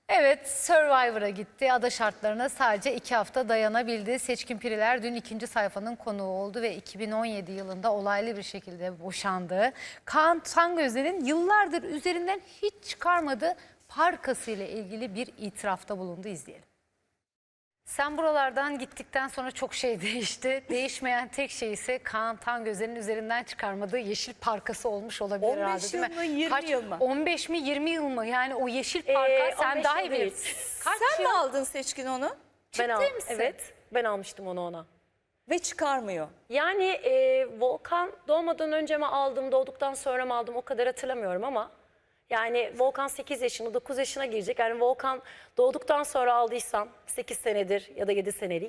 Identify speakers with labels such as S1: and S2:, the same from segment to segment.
S1: Evet, Survivor'a gitti. Ada şartlarına sadece 2 hafta dayanabildi. Seçkin Piriler dün ikinci sayfanın konuğu oldu ve 2017 yılında olaylı bir şekilde boşandı. Kaan Tangöze'nin yıllardır üzerinden hiç çıkarmadığı parkası ile ilgili bir itirafta bulundu. İzleyelim. Sen buralardan gittikten sonra çok şey değişti. Değişmeyen tek şey ise Kaan Tangöze'nin üzerinden çıkarmadığı yeşil parkası olmuş olabilir
S2: 15
S1: herhalde, değil
S2: yıl
S1: mi?
S2: mı, 20 yıl mı?
S1: 15 mi 20 yıl mı? Yani o yeşil parka sen
S3: 15
S1: daha
S3: yıl
S1: iyi
S3: değil.
S1: bilirsin. Kaç
S2: Sen
S1: yıl?
S2: mi aldın Seçkin onu?
S3: Ben
S1: Ciddi misin?
S3: Evet, ben almıştım onu ona.
S2: Ve çıkarmıyor.
S3: Yani Volkan doğmadan önce mi aldım, doğduktan sonra mı aldım o kadar hatırlamıyorum ama yani Volkan 8 yaşında, 9 yaşına girecek. Yani Volkan doğduktan sonra aldıysam 8 senedir ya da 7 senelik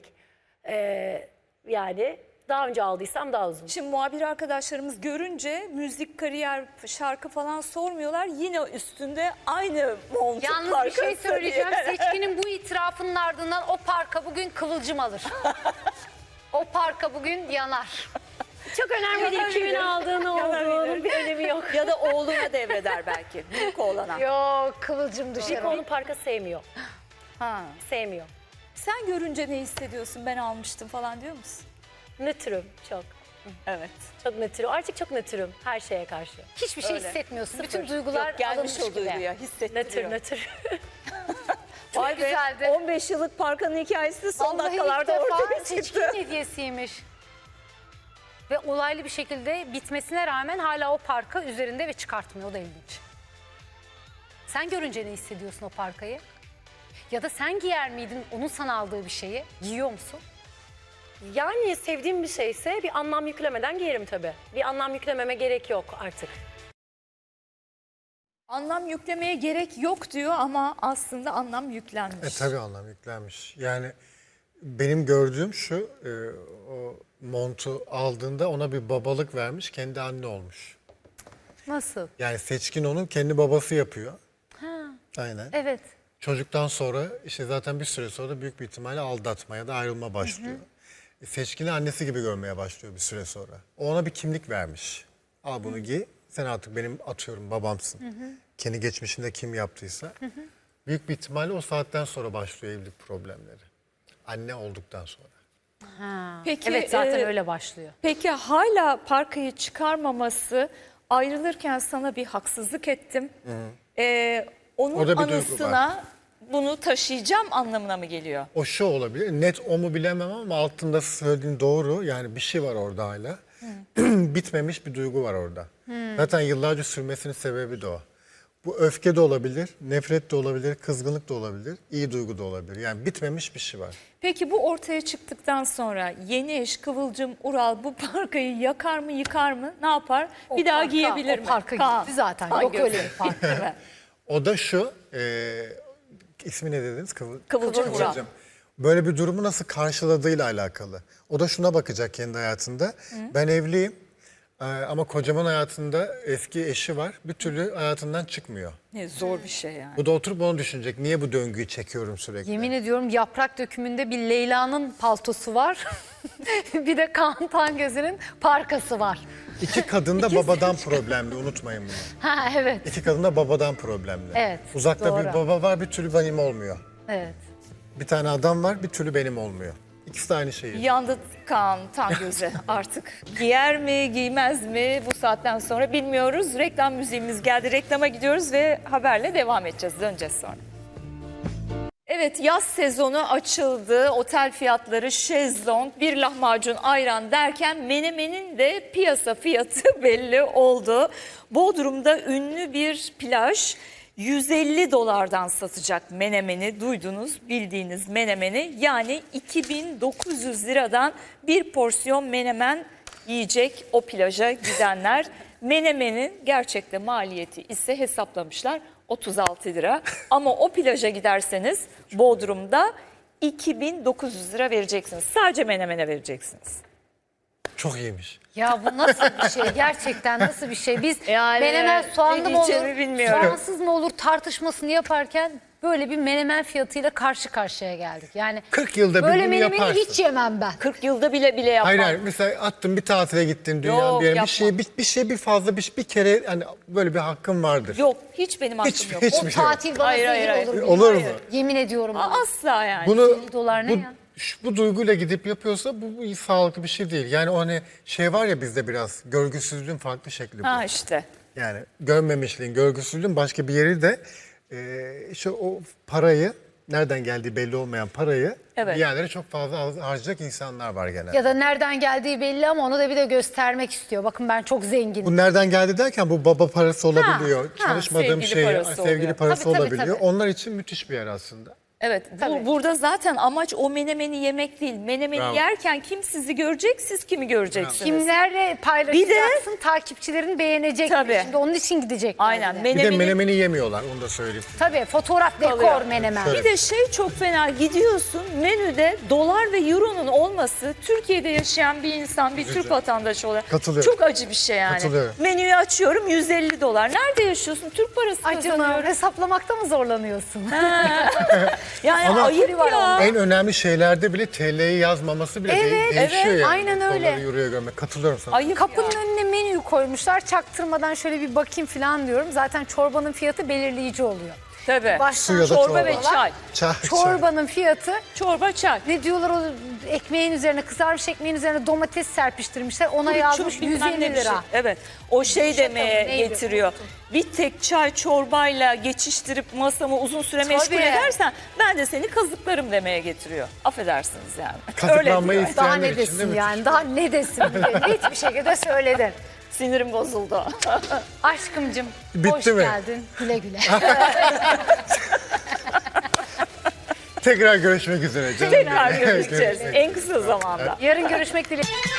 S3: yani daha önce aldıysam daha uzun.
S2: Şimdi muhabir arkadaşlarımız görünce müzik, kariyer, şarkı falan sormuyorlar. Yine üstünde aynı montuk
S1: Yalnız bir
S2: parkası
S1: şey söyleyeceğim.
S2: diye.
S1: Seçkinin bu itirafının ardından o parka bugün kıvılcım alır. O parka bugün yanar.
S3: Çok önemli değil kimin aldığını olduğunun bir önemi yok.
S2: Ya da oğluna devreder belki. Büyük oğlana.
S1: Yok, kıvılcım düşer.
S3: Çünkü onun parka sevmiyor.
S2: Ha.
S3: Sevmiyor.
S2: Sen görünce ne hissediyorsun? Ben almıştım falan diyor musun?
S3: Nötrüm çok.
S2: Evet.
S3: Çok nötrüm. Artık çok nötrüm her şeye karşı.
S1: Hiçbir şey
S2: Öyle.
S1: hissetmiyorsun.
S3: Sıfır.
S1: Bütün duygular
S2: Yok, gelmiş
S1: alınmış
S2: o
S1: gibi.
S2: duyguya. Hissettiriyor.
S3: Nötr.
S2: Vay be,
S1: güzeldi.
S2: 15 yıllık parkanın hikayesi son
S1: Vallahi ilk
S2: dakikalarda
S1: defa
S2: ortaya
S1: seçkin
S2: çıktı.
S1: hediyesiymiş. Ve olaylı bir şekilde bitmesine rağmen hala o parka üzerinde ve çıkartmıyor. O da ilginç. Sen görünce ne hissediyorsun o parkayı? Ya da sen giyer miydin onun sana aldığı bir şeyi? Giyiyor musun?
S3: Yani sevdiğim bir şeyse bir anlam yüklemeden giyerim tabii. Bir anlam yüklememe gerek yok artık.
S2: Anlam yüklemeye gerek yok diyor ama aslında anlam yüklenmiş.
S4: Tabii anlam yüklenmiş. Yani benim gördüğüm şu, o montu aldığında ona bir babalık vermiş, kendi anne olmuş.
S1: Nasıl?
S4: Yani Seçkin onun kendi babası yapıyor. Aynen.
S1: Evet.
S4: Çocuktan sonra işte zaten bir süre sonra büyük bir ihtimalle aldatma ya da ayrılma başlıyor. Seçkin'i annesi gibi görmeye başlıyor bir süre sonra. O ona bir kimlik vermiş. Al bunu giy, sen artık benim atıyorum babamsın. Kendi geçmişinde kim yaptıysa. Büyük bir ihtimalle o saatten sonra başlıyor evlilik problemleri. Anne olduktan sonra.
S2: Peki,
S1: Evet, zaten öyle başlıyor.
S2: Peki hala parkayı çıkarmaması, ayrılırken sana bir haksızlık ettim. Onun
S4: Orada bir duygu
S2: anısına bunu taşıyacağım anlamına mı geliyor?
S4: O şu olabilir. Net o mu bilemem ama altında söylediğin doğru. Yani bir şey var orada hala. Bitmemiş bir duygu var orada. Zaten yıllarca sürmesinin sebebi de o. Bu öfke de olabilir, nefret de olabilir, kızgınlık da olabilir, iyi duygu da olabilir. Yani bitmemiş bir şey var.
S2: Peki bu ortaya çıktıktan sonra yeni eş Kıvılcım Ural bu parkayı yakar mı yıkar mı ne yapar? Bir daha giyebilir mi?
S1: O parka
S2: Kaan.
S1: gitti zaten.
S2: Kaan
S1: Yok
S2: gözü.
S1: öyle bir park.
S2: Değil mi?
S4: O da şu, ismi ne dediniz?
S2: Kıvılcım Ural.
S4: Böyle bir durumu nasıl karşıladığıyla alakalı. O da şuna bakacak kendi hayatında. Ben evliyim ama kocamın hayatında eski eşi var. Bir türlü hayatından çıkmıyor.
S2: Ne zor bir şey yani.
S4: Bu da oturup onu düşünecek. Niye bu döngüyü çekiyorum sürekli?
S1: Yemin ediyorum yaprak dökümünde bir Leyla'nın paltosu var. Bir de Kaan Tangöze'nin parkası var.
S4: İki kadın da babadan problemli, unutmayın bunu.
S1: Ha evet.
S4: İki kadın da babadan problemli.
S1: Evet,
S4: Uzakta
S1: doğru.
S4: bir baba var, bir türlü benim olmuyor.
S1: Evet.
S4: Bir tane adam var, bir türlü benim olmuyor. İkisi de aynı şeyi.
S2: Yandı Kaan Tangöze artık. Giyer mi giymez mi bu saatten sonra bilmiyoruz. Reklam müziğimiz geldi. Reklama gidiyoruz ve haberle devam edeceğiz. Döneceğiz sonra. Evet, yaz sezonu açıldı. Otel fiyatları, şezlong, bir lahmacun, ayran derken menemenin de piyasa fiyatı belli oldu. Bodrum'da ünlü bir plaj 150 dolardan satacak menemeni, duydunuz, bildiğiniz menemeni. Yani 2900 liradan bir porsiyon menemen yiyecek o plaja gidenler. Menemenin gerçekte maliyeti ise hesaplamışlar 36 lira. Ama o plaja giderseniz Bodrum'da 2900 lira vereceksiniz. Sadece menemene vereceksiniz.
S4: Çok iyiymiş.
S1: Ya bu nasıl bir şey? Gerçekten nasıl bir şey? Biz
S2: Yani
S1: menemen soğanlı
S2: ne
S1: mı olur,
S2: diyeceğimi bilmiyorum.
S1: soğansız mı olur tartışmasını yaparken böyle bir menemen fiyatıyla karşı karşıya geldik. Yani
S4: 40 yılda bir
S1: böyle
S4: bunu
S1: menemeni
S4: yaparsın.
S1: hiç yemem ben.
S2: 40 yılda bile yapmam.
S4: Hayır hayır, mesela attın bir tatile gittin dünyanın
S2: Yok,
S4: bir yerine,
S2: yapmam.
S4: bir şey bir fazla bir kere hani böyle bir hakkın vardır.
S2: Yok, hiç benim aklım
S4: Hiç-
S2: yok.
S4: hiç-
S1: O
S4: Hiçbir şey yok.
S1: tatil bana
S2: Hayır,
S1: zehir
S2: hayır,
S1: olur.
S2: hayır.
S4: Olur mu?
S1: Yemin ediyorum. bana.
S2: Asla yani.
S4: Bunu
S1: 50 dolar ne ya?
S4: bu duyguyla gidip yapıyorsa bu sağlıklı bir şey değil. Yani o hani şey var ya bizde biraz görgüsüzlüğün farklı şekli bu.
S2: Ha işte.
S4: Yani görmemişliğin, görgüsüzlüğün başka bir yeri de işte o parayı, nereden geldiği belli olmayan parayı
S2: Evet.
S4: bir yerlere çok fazla harcayacak insanlar var genelde.
S1: Ya da nereden geldiği belli ama onu da bir de göstermek istiyor. Bakın ben çok zenginim.
S4: Bu nereden geldi derken bu baba parası olabiliyor,
S1: ha,
S4: çalışmadığım
S2: sevgili
S4: şey,
S2: parası
S4: sevgili
S2: oluyor.
S4: parası
S1: Tabii, tabii,
S4: olabiliyor.
S1: tabii.
S4: Onlar için müthiş bir yer aslında.
S2: Evet,
S1: Tabii.
S2: burada zaten amaç o menemeni yemek değil. Menemeni
S4: Bravo.
S2: yerken kim sizi görecek, siz kimi göreceksiniz?
S1: Kimlerle paylaşacaksın, takipçilerin beğenecek.
S2: Tabii.
S1: Şimdi onun için gidecekler.
S2: Aynen.
S1: bir de.
S4: Bir de menemeni yemiyorlar, onu da söyleyeyim.
S1: Tabii fotoğraf, dekor,
S2: Kalıyor.
S1: menemen.
S4: Şöyle.
S2: Bir de şey çok fena, gidiyorsun menüde dolar ve euronun olması Türkiye'de yaşayan bir insan, bir Türk vatandaşı olarak
S4: Katılıyorum.
S2: çok acı bir şey yani.
S4: Katılıyorum.
S2: Menüyü açıyorum 150 dolar. Nerede yaşıyorsun? Türk parası
S1: Acını
S2: kazanıyorum.
S1: hesaplamakta mı zorlanıyorsun?
S2: Yani
S4: Ama-
S2: ayıp
S1: var
S2: ya.
S4: En önemli şeylerde bile TL'yi yazmaması bile
S1: Evet,
S4: değişiyor
S1: evet,
S4: yani.
S1: aynen öyle.
S4: Doları euroya görmek. Katılıyorum sana.
S2: Ayıp
S1: Kapının
S2: ya.
S1: önüne menüyü koymuşlar. Çaktırmadan şöyle bir bakayım falan diyorum. Zaten çorbanın fiyatı belirleyici oluyor.
S2: Tabii.
S1: Baştan
S4: Su ya da
S2: Çorba ve
S4: çorba.
S2: çay.
S4: Çay.
S1: Çorbanın fiyatı
S2: Çorba çay.
S1: ne diyorlar o ekmeğin üzerine, kızarmış ekmeğin üzerine domates serpiştirmişler. Ona
S2: Çok
S1: yazmış
S2: bilmem
S1: 150
S2: ne bir şey.
S1: lira.
S2: Evet. O şey
S1: Yumuşak
S2: demeye
S1: ama neydi?
S2: getiriyor. Bir tek çay çorbayla geçiştirip masamı uzun süre meşgul
S1: Tabii.
S2: edersen ben de seni kazıklarım demeye getiriyor. Affedersiniz yani.
S4: Kazıklanmayı
S2: Öyle diyor.
S1: Daha
S4: isteyenler
S1: ne
S4: için de
S1: desin
S4: müthiş.
S1: yani? Daha ne desin? Net bir şekilde söyledin.
S2: Sinirim bozuldu.
S1: Aşkımcım
S4: Bitti
S1: hoş
S4: mi?
S1: geldin. Güle güle.
S4: Tekrar görüşmek üzere canım.
S2: Tekrar
S4: benim.
S2: görüşeceğiz en kısa zamanda.
S1: Yarın görüşmek dileğiyle.